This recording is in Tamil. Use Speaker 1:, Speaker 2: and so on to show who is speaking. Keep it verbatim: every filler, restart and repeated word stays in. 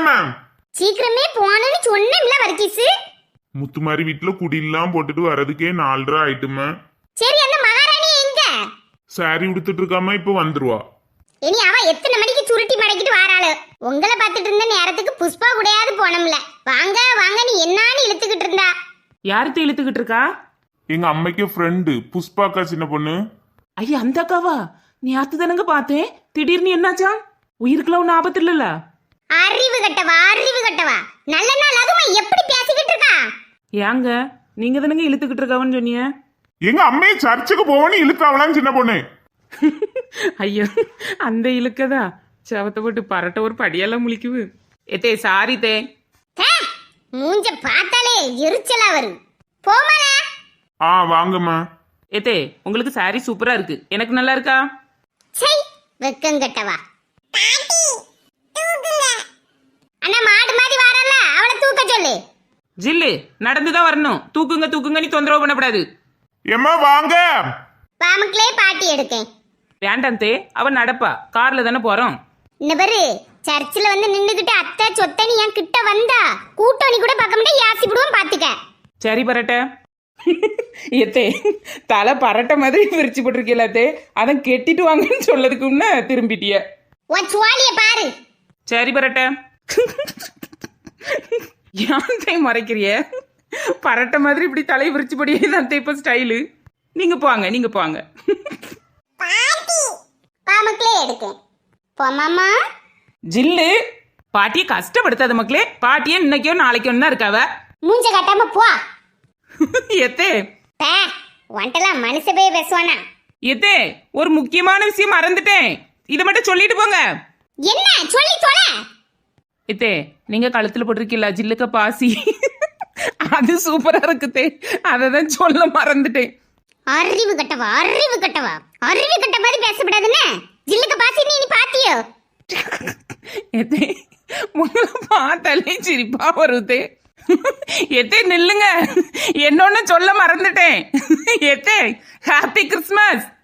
Speaker 1: போலாமா?
Speaker 2: சீக்கிரமே போனேன்னு சொன்னேன்ல வர்க்கீஸ்.
Speaker 1: முத்துமாரி வீட்டுல குடியெல்லாம் போட்டுட்டு வர்றதுக்கே நாலரை ஆயிட்டுமா.
Speaker 2: சரி, அந்த மகாராணி எங்க?
Speaker 1: சாரி உடுத்துட்டு இருக்காம இப்ப வந்துருவா.
Speaker 2: இனி அவ எத்தனை மணிக்கு சுருட்டி மடக்கிட்டு வாராளு? உங்களை பார்த்துட்டு இருந்த நேரத்துக்கு புஷ்பா கூடயாவது போனோம்ல. வாங்க வாங்க நீ என்னான்னு இழுத்துக்கிட்டு இருந்தா.
Speaker 3: யாருக்கு இழுத்துக்கிட்டு இருக்கா?
Speaker 1: எங்க அம்மைக்கு ஃப்ரெண்டு புஷ்பாக்கா, சின்ன பொண்ணு.
Speaker 3: ஐயா, அந்த அக்காவா? நீ ஆத்து தானங்க பார்த்தேன். திடீர்னு என்னாச்சா? உயிருக்குலாம் ஒன்னும் ஆபத்து இல்லல்ல?
Speaker 2: அறிவு கட்டவா, அறிவு கட்டவா. நல்ல நாள் அதுமா எப்படி பேசிக்கிட்டு இருக்கா?
Speaker 3: ஏங்க, நீங்க தானங்க இழுத்துக்கிட்டு இருக்காவன்னு சொன்னீங்க.
Speaker 1: எங்க அம்மையை சர்ச்சுக்கு போவன்னு இழுத்தாவலாம் சின்ன பொண்ணு.
Speaker 3: ஐயோ, அந்த இழுக்கதா சவத்தை போட்டு பரட்ட ஒரு படியெல்லாம் முழிக்குது. ஏத்தே சாரி தே.
Speaker 2: மூஞ்ச பார்த்தாலே எரிச்சலா வரும். போமால.
Speaker 1: ஆ வாங்கம்மா.
Speaker 3: ஏத்தே, உங்களுக்கு சாரி சூப்பரா இருக்கு. எனக்கு நல்லா இருக்கா?
Speaker 2: சை, வெக்கம் கட்டவா. அண்ணா மாடு மாதிரி வரல, அவளை தூக்க சொல்லு.
Speaker 3: ஜில்லு நடந்துதான் வரணும். தூக்குங்க தூக்குங்க, நீ தொந்தரவு பண்ணக்கூடாது.
Speaker 1: எம்மா வாங்க.
Speaker 2: பாமக்களே பாட்டி எடுக்கேன்.
Speaker 3: வேண்டாம் தே, அவன் நடப்பா. கார்ல தானே போறோம்.
Speaker 2: இந்த பாரு, சர்ச்சில் வந்து நின்னுகிட்டு அத்தை சொத்தனி என் கிட்ட வந்தா கூட்டணி கூட பார்க்க மாட்டேன், யாசிப்பிடுவோம் பாத்துக்க.
Speaker 3: சரி பரட்ட. ஏத்தே, தலை பரட்ட மாதிரி விரிச்சு போட்டிருக்கீங்களா தே? அதான் கெட்டிட்டு வாங்கன்னு சொல்லதுக்கு முன்ன திரும்பிட்டிய.
Speaker 2: உன் சுவாலிய பாரு.
Speaker 3: சரி பரட்ட. ஏன் மறைக்கிறிய? பரட்ட மாதிரி இப்படி தலை விரிச்சு படியே தான் இப்ப ஸ்டைலு. நீங்க போங்க, நீங்க போங்க.
Speaker 2: பாமக்களே எடுக்கேன். போமாமா.
Speaker 3: ஜில்லு, பாட்டியை கஷ்டப்படுத்தாத மக்களே. பாட்டியே இன்னைக்கோ நாளைக்கோ தான் இருக்காவ.
Speaker 2: மூஞ்ச கட்டாம போ.
Speaker 3: எத்தே
Speaker 2: பே, வந்துட்டலாம் மனுஷ போய் பேசுவானா?
Speaker 3: எத்தே, ஒரு முக்கியமான விஷயம் மறந்துட்டேன். இதை மட்டும் சொல்லிட்டு போங்க.
Speaker 2: என்ன சொல்லி தொலை.
Speaker 3: எத்தே, நீங்க கழுத்துல போட்டிருக்கீங்களா ஜில்லுக்க பாசி? அது சூப்பரா இருக்குதே, அதை தான் சொல்ல மறந்துட்டேன்.
Speaker 2: அறிவு கட்டவா, அறிவு கட்டவா. அறிவு கட்ட மாதிரி பேசப்படாதுன்னு ஜில்லுக்கு பாசி நீ பாத்தியோ?
Speaker 3: எத்தே, உங்களை பார்த்தாலே சிரிப்பா வருதே. எத்தே நில்லுங்க, என்னொன்னு சொல்ல மறந்துட்டேன். எத்தே, ஹாப்பி கிறிஸ்மஸ்.